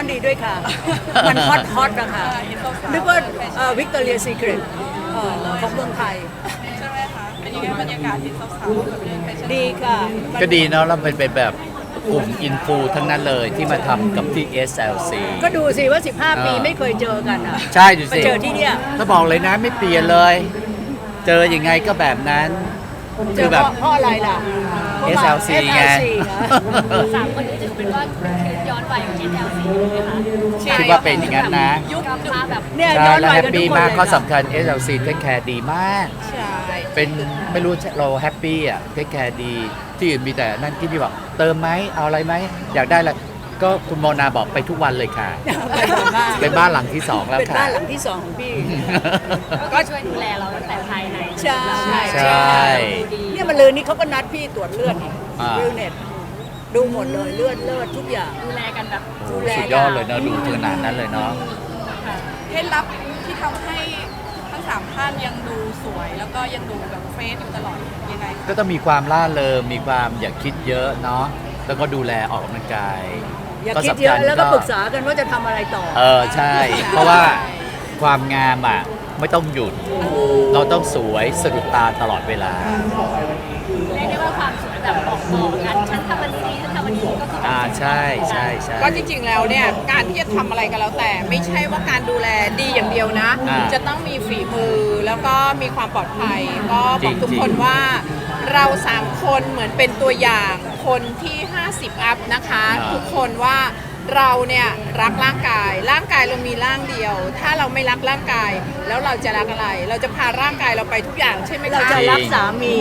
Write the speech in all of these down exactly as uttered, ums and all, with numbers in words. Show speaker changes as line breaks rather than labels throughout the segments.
ดีด้วยค่ะ มันฮอตฮอตนะคะนึกว่าวิกตอเรียซีเครตของเมืองไทย
ใช่ไหมคะเป็นยังไงบรรยากาศที่สาวๆแบบเดินแฟชั่น
ดีค่ะ
ก็ดีเนาะเราเป็นเป็นแบบกลุ่มอินฟูทั้งนั้นเลยที่มาทำกับที่ เอส แอล ซี
ก็ดูสิว่าสิบห้าปีไม่เคยเจอกันอ่ะ
ใช่ดูสิ
มาเจอที่เนี่ย
ถ้าบอกเลยนะไม่เปลี่ยนเลย เจอยังไงก็แบบนั้น
เจอเพราะอะไรล่ะ
เอส แอล ซี ไง
สามคนนี้ถือเป็นว่าย้อนวัยของ เอส แอล ซี ไหมคะ
คิดว่าเป็นอย่างนั้นนะ
ยุคมาแบบ
เนี่ย
ใช่
ย้อน
แล้ว
วัย
แฮป
กันทุ
ปี้
กคน
มาก
เลย
ข้อสำคัญ เอส แอล ซี เทคแคร์ดีมาก
ใช่
เป็นไม่รู้เราแฮปปี้อ่ะเทคแคร์ดีที่อื่นมีแต่นั่นที่พี่บอกเติมไหมเอาอะไรไหมอยากได้อะไรก็คุณโมนาบอกไปทุกวันเลยค่ะเป็นบ้านหลังที่สองแล้ว
เป็น
ค่ะ
บ้านหลังที่สองของพี่
ก็ช่วยดูแลเราตั้งแต่ภายใน
ใช่
ใช่
เนี่ยมันเลยนี่เขาก็นัดพี่ตรวจเลือดอีก
อ่า
วิวเน็ตดูหมดเลยเลือดเลือดทุกอย่าง
ดูแลกันแบบ
โอ้สุดยอดเลยเนาะดูขนาดนั้นเลยเนาะ
เคล็ดลับที่ทำให้ทั้งสามท่านยังดูสวยแล้วก็ยังดูแบบเฟรชอยู่ตลอดยังไงคะ
ก็ต้องมีความล่าเริงมีความอย่าคิดเยอะเนาะแล้วก็ดูแลออกกำลังกาย
อย่าคิดเยอะแล้วก็ปรึกษากันว่าจะทำอะไรต่อ
เออใช่ เพราะว่าความงามอ่ะไม่ต้องหยุด เราต้องสวยสะดุดตาตลอดเวลา
เรียกได้ว่าความสวยแบบบอกต่อกันฉันทำวันนี้ฉันทำวันนี้ก็คือ
อ่าใช่ใช่ใช่
ก็จริงๆแล้วเนี่ยการที่จะทำอะไรก็แล้วแต่ไม่ใช่ว่าการดูแลดีอย่างเดียวนะ จะต้องมีฝีมือแล้วก็มีความปลอดภัยก็บอกทุกคนว่าเราสามคนเหมือนเป็นตัวอย่างคนที่ห้าสิบอัพนะคะทุกคนว่าเราเนี่ยรักร่างกายร่างกายเรามีร่างเดียวถ้าเราไม่รักร่างกายแล้วเราจะรักอะไรเราจะพาร่างกายเราไปทุกอย่างใช่ไหมคะ
เราจะรักสามี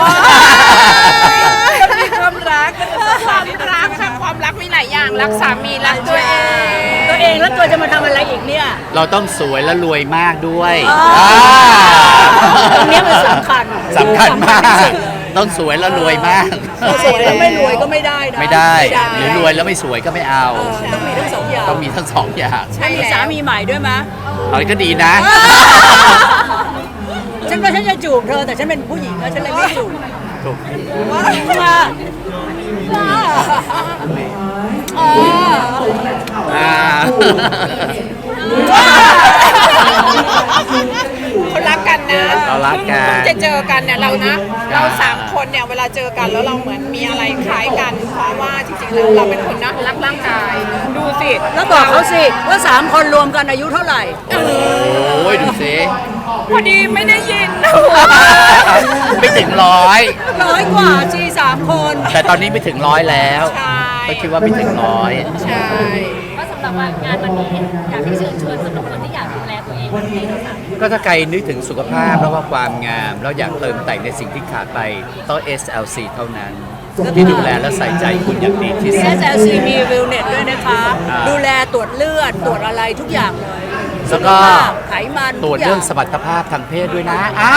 มีความรักความรักค่ะความรักมีหลายอย่างรักสามีรักตัวเอง
ตัวเองแล้วตัวจะมาทำอะไรอีกเนี่ย
เราต้องสวยและรวยมากด้วย
ตรงนี้มันสำคัญ
สำคัญมากต้องสวยแล้วรวยมาก
สวยแล้วไม่รวยก็ไม่ได้นะ
ไม่ได้หรือรวยแล้วไม่สวยก็ไม่เอา
ต้องมีทั้งสองอย่าง
ต้องมีทั้งสองอย่าง
ใช่มีสามีใหม่ด้วยมั้ย
อะไรก็ดีนะ
ฉันว่าฉันจะจูบเธอแต่ฉันเป็นผู้หญิงแล้วฉันเลยไม่จูบ
ถูก
ว่า
อ่า
เขารักกันนะ
เรารักกัน
จะเจอกันเนี่ยเรานะเราสามคนเนี่ยเวลาเจอกันแล้วเราเหมือนมีอะไรคล้ายกันเพราะว่าจริงๆแล้วเราเป็นคนนะรักร่างกายดูสิ
แล้วบอกเขาสิว่าสามคนรวมกันอายุเท่าไหร่
โอ้ยดูสิ
พอดีไม่ได้ยิน
ไม่ถึงร้อย
ร้อยกว่าจีสามคน
แต่ตอนนี้ไม่ถึงร้อยแล้วก็คิดว่าไม่ถึงร้อย
ใช่
ก็สำหรับงานวันนี้อยากให้เชิญชวนสำหรับคนที่อยากดูแลตัวเองให้เราสาม
ก็ถ้าใครนึกถึงสุขภาพแล้วว่าความงามแล้วอยากเติมแต่งในสิ่งที่ขาดไปต้อง เอส แอล ซี เท่านั้นที่ดูแลและใส่ใจคุณอย่างดีที่สุด
เอส แอล ซี มีวิวเน็ตด้วยนะคะดูแลตรวจเลือดตรวจอะไรทุกอย่างเลย
แล้วก็
ไขมัน
ตรวจเรื่องสมรรถภาพทางเพศด้วยนะอ่า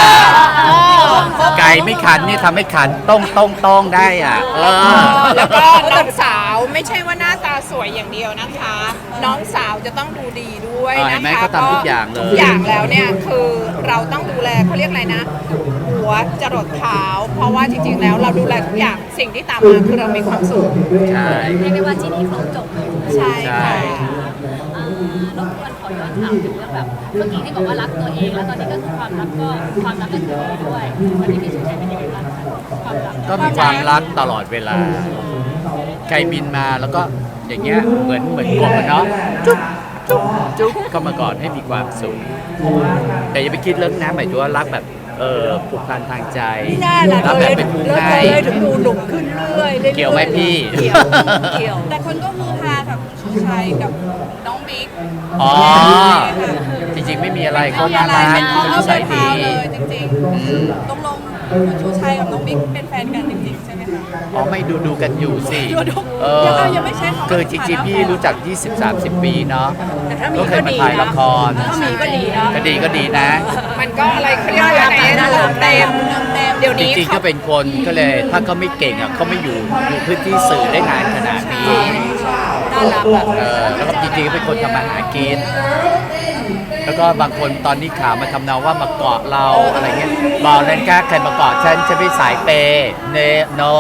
ไก่ไม่ขันนี่ทำให้ขันต้องต้องต้องได้อ่ะ
แล้วก็น้องสาวไม่ใช่ว่าหน้าตาสวยอย่างเดียวนะคะ น้องสาวจะต้องดูดีด้วยนะคะ
ก็ทำทุกอย่างเลย
ทุกอย่างแล้วเนี่ยคือเราต้องดูแลเขาเรียกอะไรนะหัวจรดเท้าเพราะว่าจริงๆแล้วเราดูแลทุกอย่างสิ่งที่ตามมาคือเรามีความสุข
ใช่
เรียกได้ว่าที่นี่ครบจบ
ใช่ค่ะ
รบกวนขอย้อนถามถึงเรื่องแบบเมื่อกี้ที่บอกว่ารักตัวเองแล้วตอนนี้ก็คือความรักก็ความรักก็คือด้วยวันนี้พี่สุชัยเป็นยังไงบ้างความรัก
ก็มีความรักตลอดเวลาใครบินมาแล้วก็อย่างเงี้ยเหมือนเหมือนกบเนาะจุ๊บจุ๊บจุ๊บเข้ามาก่อนให้มีความสุขแต่อย่าไปคิดเรื่องน้ำหมายถึงว่ารักแบบเออผูกพันทางใจ
รัก
แบบเป็นผู้ให้
ถึงดูหนุ่มขึ้นเรื่อยๆ
เกี่ยวไหมพี่
เกี่ยวเกี่ยว
แต่คนก็ฮือฮากับชูชัยกับน้องบิ๊ก
อ๋อจริงๆไม่มีอะไรเขาน่ารักเขานิสัยดี
จริงๆต้องลงชูชัยกับน้องบิ๊กเป็นแฟนกันจริงๆใช่ไหมคะ
อ๋อไม่ดูดูกันอยู่สิ
เออยังไม่ใช่
คือจริงๆพี่รู้จัก ยี่สิบ สามสิบ ปีเนาะ
แต่ถ้ามี
ก็เคยมาถ่ายละคร
ถ้ามีก็ดีนะ
ก็ดีก็ดีนะ
มันก็อะไรเขาเรียกว่าอะไรนะเต็มเดี๋ยวนี้
จริงๆก็เป็นคนก็เลยถ้าเขาไม่เก่งอ่ะเขาไม่อยู่อยู่พื้นที่สื่อได้นานขนาดนี้
น่ารักอ่ะ
เออแล้วก็จริงๆก็เป็นคนทำมาหากินแล้วก็บางคนตอนนี้ข่าวมาทำนองว่ามาเกาะเราอะไรเงี้ยบอกนั่นกล้าใครมาเกาะฉันฉันไม่สายเปย์เนโน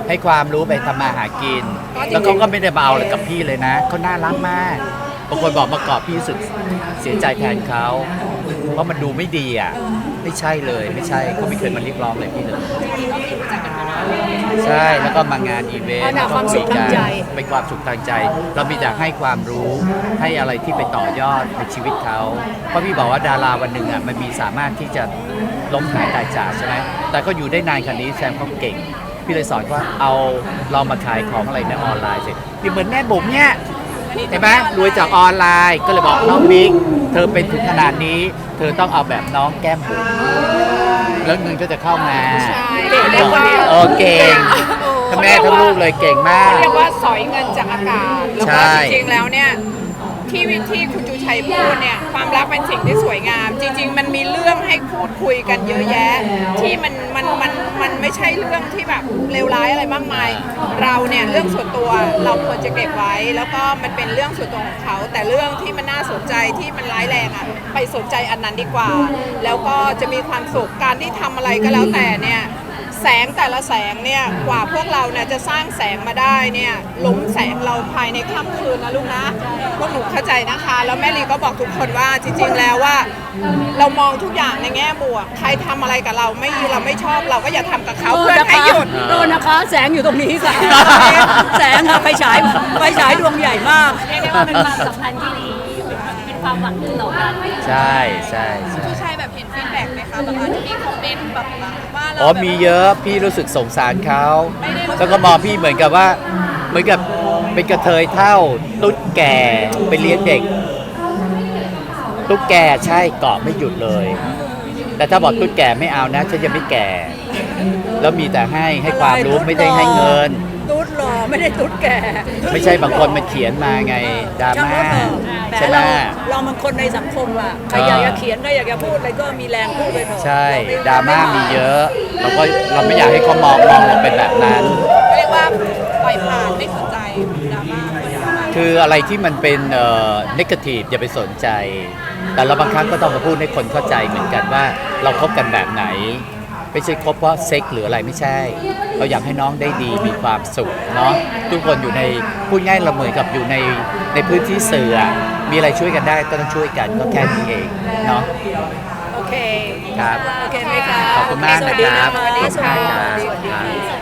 ให้ความรู้ไปทำมาหากิน แล้วเขาก็ไม่ได้มาเอาอะไรกับพี่เลยนะเขาน่ารักมากบางคนบอกมาเกาะพี่รู้สึกเสียใจแทนเขาเพราะมันดูไม่ดีอ่ะไม่ใช่เลยไม่ใช่เขาไม่เคยมาเรียกร้องเลยพี่เลยใช่แล้วก็มางานอีเวนต์
อ๋อน่ะความสุขทางใจ
เป็นความสุขทางใจ เรามีแต่ให้ความรู้ให้อะไรที่ไปต่อยอดในชีวิตเขาเพราะพี่บอกว่าดาราวันหนึ่งอ่ะมันมีสามารถที่จะล้มหายตายจากใช่ไหมแต่ก็อยู่ได้นานขนาดนี้แซมเขาเก่ง พี่เลยสอนว่าเอาเรามาขายของอะไรในออนไลน์สิพี่เหมือนแม่บุ๋มเนี่ยเห็นไหมรวยจากออนไลน์ก็เลยบอกน้องบิ๊กเธอเป็นถึงขนาดนี้ เธอต้องเอาแบบน้องแก้มบุ๋มแล้วเงินก็จะเข้ามา
ใช่
เก่งเรียกว่า
เออเก่งทั้งแม่ทั้งลูกเลยเก่งมาก
เขาเรียกว่าสอยเงินจากอากาศ แล้ว
ใช่
ก็จริงๆแล้วเนี่ยที่วิธีคุณจูชัยพูดเนี่ยความรักเป็นสิ่งที่สวยงาม จริง ๆ มันมีเรื่องให้พูดคุยกันเยอะแยะ ที่มันมันมันมันไม่ใช่เรื่องที่แบบเลวร้ายอะไรมากมาย เราเนี่ยเรื่องส่วนตัวเราควรจะเก็บไว้ แล้วก็มันเป็นเรื่องส่วนตัวของเขา แต่เรื่องที่มันน่าสนใจที่มันร้ายแรงอ่ะไปสนใจอันนั้นดีกว่า แล้วก็จะมีความสุขการที่ทำอะไรก็แล้วแต่เนี่ย แสงแต่ละแสงเนี่ยกว่าพวกเราเนี่ยจะสร้างแสงมาได้เนี่ยหลุมแสงเราภายในค่ำคืนนะลูกนะพวกหนูเข้าใจนะคะ แล้วแม่ลีก็บอกทุกคนว่าจริงๆแล้วว่าเรามองทุกอย่างในแง่บวกใครทำอะไรกับเราไม่เราไม่ชอบเราก็อย่าทำกับเขา
เออ
เพื่อ
นะ
ให้
คะ
หยุด
เออนะคะ แสงอยู่ตรงนี้ค่ะ แสงค่ะไฟฉายไฟฉายดวงใหญ่มาก
เรียกได้ว่าเป็นความสัมพันธ์ที่ดีเป็นความหวังดีต่อกัน
ใช่ใช่ใช่
ผู้ชายแบบเห็นฟีดแบ็กไหมคะแบบอาจจะมีคอมเมนต์แบบว่าเรา
อ๋อมีเยอะพี่รู้สึกสงสารเขาแล้วก็มองพี่เหมือนกับว่าเหมือนกับเป็นกระเทยเท่าตุ๊ดแก่ไปเลี้ยงเด็กตุ๊กแก่ใช่เกาะไม่หยุดเลย แต่ถ้าบอกตุ๊ดแก่ไม่เอานะฉันยังไม่แก่ แล้วมีแต่ให้ให้ความรู้ไม่ได้ให้เงิน
ตุ๊ดหล่อไม่ได้ตุ๊ดแก่
ไม่ใช่บางคนมันเขียนมาไงดราม่า
แต่
ใช่ไหม
เราเรามันคนในสังคมอ่ะใครอยากจะเขียนก็อยากจะพูดอะไรก็มีแรงพูดไปเถอะ
ใช่
เไ
ดราม่ามีเยอะเราก็เราไม่อยากให้เขามองมองเราเป็นแบบนั้น
เรียกว่าปล่อยผ่านไม่สนใจดราม่าคนดราม่า
คืออะไรที่มันเป็นเอ่อ negative อย่าไปสนใจ แต่เราบางครั้งก็ต้องมาพูดให้คนเข้าใจเหมือนกันว่าเราคบกันแบบไหน ไม่ใช่คบเพราะเซ็กหรืออะไรไม่ใช่ เราอยากให้น้องได้ดีมีความสุขเนาะทุกคนอยู่ในพูดง่ายเราเหมือนกับอยู่ในในพื้นที่สื่ออะมีอะไรช่วยกันได้ก็ต้องช่วยกันก็แค่นี้เองเนาะ
โอเค
ครับ
โอเคไหมคะ
ขอบคุณมาก
สวัสดี
นะครับ
สวัสดี
ขอบคุณ
ค่ะ
ครับ
สวัสดีค่ะ